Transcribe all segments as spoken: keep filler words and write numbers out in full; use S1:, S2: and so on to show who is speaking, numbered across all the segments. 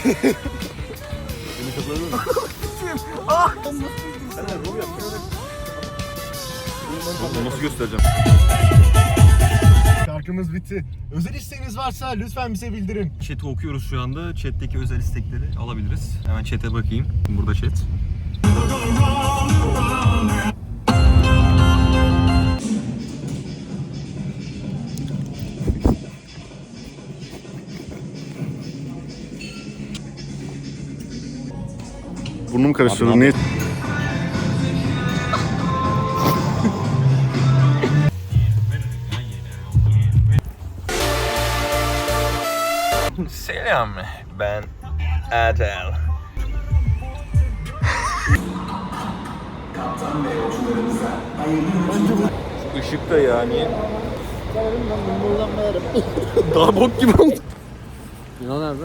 S1: Beni kapıladın mı?
S2: Ah!
S1: Sen de rol yap. Nasıl göstereceğim?
S2: Şarkımız bitti. Özel isteğiniz varsa lütfen bize bildirin.
S1: Chat'i okuyoruz şu anda. Chat'teki özel istekleri alabiliriz. Hemen chat'e bakayım. Burada chat.
S2: Burnum karıştırdı.
S1: Abi,
S2: Ne?
S1: Selam. Ben Adel. Işık da ya niye? Daha bok gibi oldu.
S3: Yunan nerede?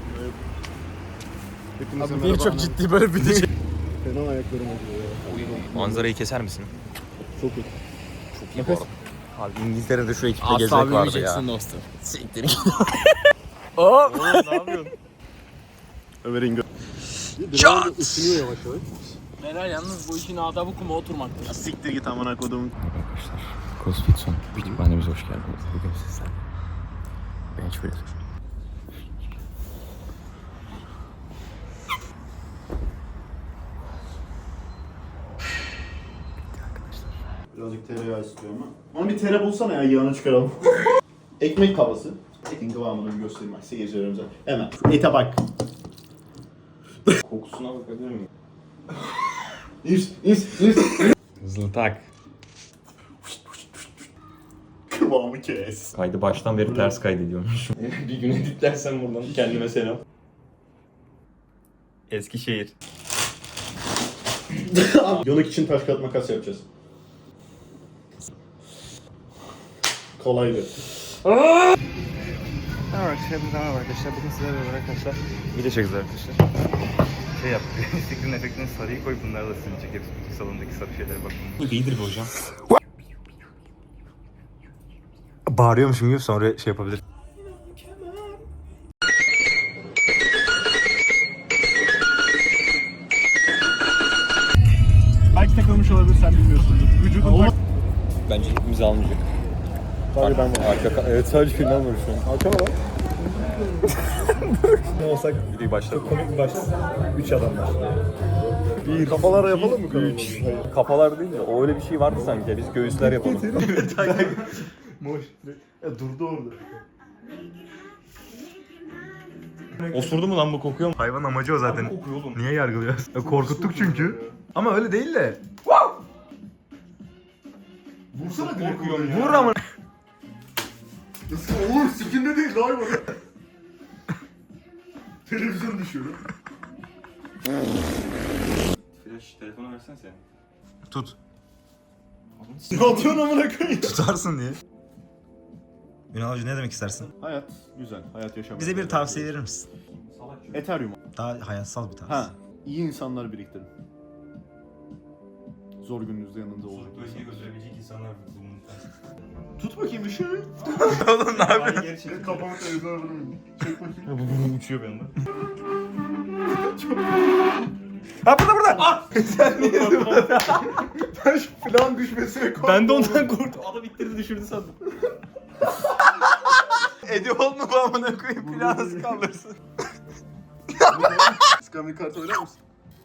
S2: Abi
S3: Niye çok ciddi böyle bir de şey.
S2: Fena ayaklarım acıyor ya.
S1: Manzarayı keser misin?
S2: Çok iyi.
S1: Çok iyi bu arada. Abi İngiltere'de şu ekipte
S3: Asla
S1: gezmek vardı ya.
S3: bilmeyeceksin dostum.
S1: Siktir git.
S3: Aa!
S1: Ne yapıyorsun?
S2: Ömer'in gö...
S1: Çat!
S2: Isınıyor yavaş yavaş.
S3: Beyler yalnız bu işin adabı kuma oturmaktır.
S2: Siktir git amına kodum.
S1: CrossFit son kütüphanemize hoş geldiniz. Bugün sizlerle bench press.
S2: Birazcık tereyağı istiyorum ama. Onu bir tere bulsana ya, yağını çıkaralım. Ekmek kavası. Etin kıvamını bir göstereyim bak seyircilerimize. Hemen. Şu ete bak.
S1: Kokusuna bakabilir miyim?
S2: İz, iz, iz.
S1: Hızlı tak.
S2: Kıvamı kes.
S1: Kaydı baştan beri ters kaydediyormuş. Bir gün editlersem buradan kendime selam. Eskişehir.
S2: Yanık için taş kağıt makas yapacağız. Kolaydı.
S1: Evet, hepinize merhaba arkadaşlar. Bugün sizlerle beraber arkadaşlar video çekeceğiz arkadaşlar. Şey yap, screen efektini sarıyı koy, bunları da silecek hepsi. Bütün salondaki sarı şeylere bak. Bu iyidir be hocam. Bağırıyormuşum gibi sonra şey yapabilir.
S2: Belki takılmış olabilir, sen bilmiyorsundur. Vücudun bak.
S1: Bence hepimizi almayacak.
S2: Sadece ben var.
S1: Arka, evet sadece filmden var şu an.
S2: Arkama bak. Ne olsak
S1: Videoyu başlatalım.
S2: komik bir başlık. Üç adam var. Bir kafalara yapalım mı kanalı?
S1: Üç. Kafalar değil de o öyle bir şey vardı sanki. Biz göğüsler yapalım.
S2: Moş. Ya durdu orada.
S1: Osurdu mu lan bu, kokuyor mu? Hayvan amacı o zaten. Kokuyor oğlum. Niye yargılıyoruz? Ya korkuttuk çünkü. Ama öyle değil de.
S2: Vursana direkt.
S1: Vur ama.
S2: Nasıl olur? Sikinde değil lan hayvan. Televizyon düşüyor.
S1: Flash telefonu versene sen. Tut.
S2: Ne yapıyorsun amına koyayım?
S1: Tutarsın diye. Ünal Hoca ne demek istersin?
S2: Hayat güzel. Hayat yaşamak.
S1: Bize bir tavsiye verir misin?
S2: Ethereum.
S1: Daha hayatsal bir tavsiye.
S2: Ha. İyi insanlar biriktirin. Zor gününüzde yanında olacak.
S1: götürebilecek insanlar bulunur.
S2: Tut bakayım bir şey.
S1: Oğlum ne yapıyorsun?
S2: Kafamı televizyona vurayım. Çek bakayım.
S1: Uçuyor bir anda. Ha burada burada! Ah! Sen niye burada?
S2: Ben şu plan düşmesine korktum.
S1: Ben de ondan korktum. Adam ittirdi düşürdü sandım. Ediyor mu bu amına koyayım? Planı nasıl kaldırsın?
S2: Scammy kart oynar mısın?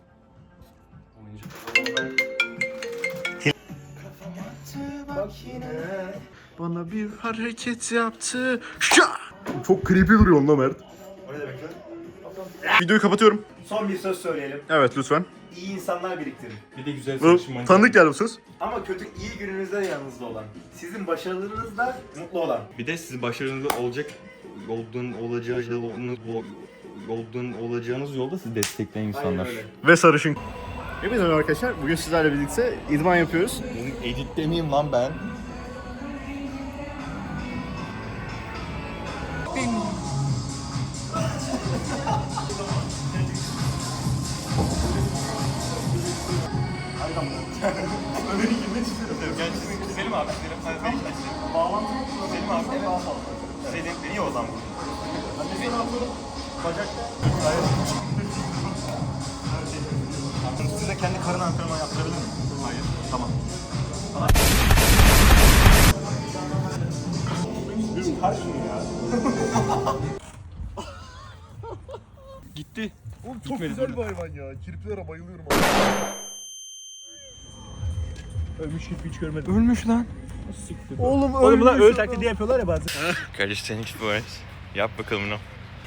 S2: Bana bir hareket yaptı. Şa! Çok creepy duruyor onunla Mert.
S1: O ne demek lan?
S2: Videoyu kapatıyorum.
S4: Son bir söz söyleyelim.
S2: Evet lütfen.
S4: İyi insanlar biriktirin.
S1: Bir de güzel
S2: Bu tanıdık geldi bu söz.
S4: Ama kötü iyi gününüzde yanınızda olan. Sizin başarılarınızda mutlu olan.
S1: Bir de siz başarılı olacak olduğun olacağı olduğun olacağınız yolda sizi destekleyen insanlar.
S4: öyle.
S2: Ve sarışın. Hepinize merhaba arkadaşlar. Bugün sizlerle birlikte idman yapıyoruz.
S1: Benim editte miyim lan ben?
S2: Ömer'in girmek istiyorum.
S1: Selim abi, Selim, ben hiç açayım. Bağlantı Selim abi, evet. Selim, niye o zaman bu?
S2: Ben de seni atıyorum. Bacakta. Çok güzel bir hayvan ya. Kirpilere bayılıyorum abi. Ölmüş kirpi hiç görmedim.
S1: Ölmüş lan.
S2: Oğlum
S3: Oğlum bunlar öyle taklidi yapıyorlar ya bazen.
S1: Kardeş sen hiç bu var. Yap bakalım bunu.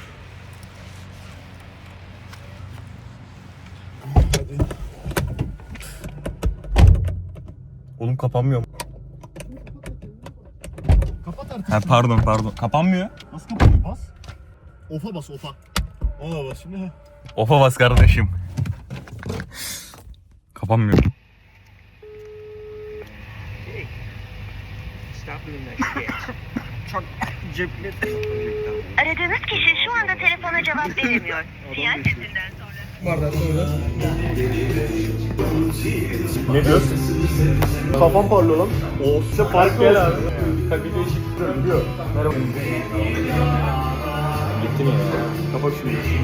S1: Oğlum kapanmıyor mu?
S2: Kapat artık.
S1: Ha, pardon pardon. Kapanmıyor.
S2: Nasıl kapanıyor? Bas. Ofa bas ofa. Ona bas şimdi.
S1: Ofa bas kardeşim. Kapanmıyor. Çok cepli.
S5: Aradığınız kişi şu anda telefona cevap veremiyor. Sinyal sesinden sonra.
S2: Ne diyorsun? Kafam parlıyor lan. O size fark gel abi. Bir değişiklik görünüyor. Merhaba. Gitti mi ya? Kapat şimdi.